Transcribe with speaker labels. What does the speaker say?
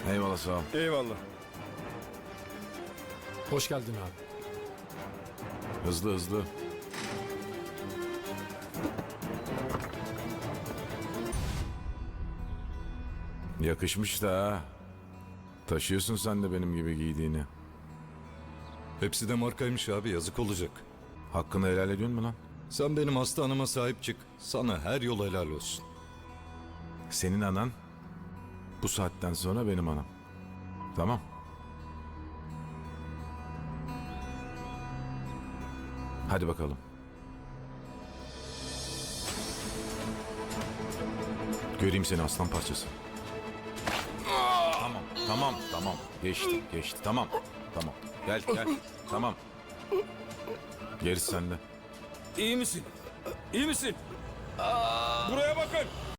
Speaker 1: Eyvallah, sağ ol.
Speaker 2: Eyvallah.
Speaker 3: Hoş geldin abi.
Speaker 1: Hızlı hızlı. Yakışmış da ha. Taşıyorsun sen de benim gibi giydiğini.
Speaker 4: Hepsi de markaymış abi, yazık olacak.
Speaker 1: Hakkını helal ediyorsun mu lan?
Speaker 4: Sen benim hasta anama sahip çık. Sana her yol helal olsun.
Speaker 1: Senin anan bu saatten sonra benim anam. Tamam. Hadi bakalım. Göreyim seni aslan parçası. Tamam. Geçti. Tamam. Gel. Tamam. Gerisi sende.
Speaker 2: İyi misin? İyi misin? Buraya bakın.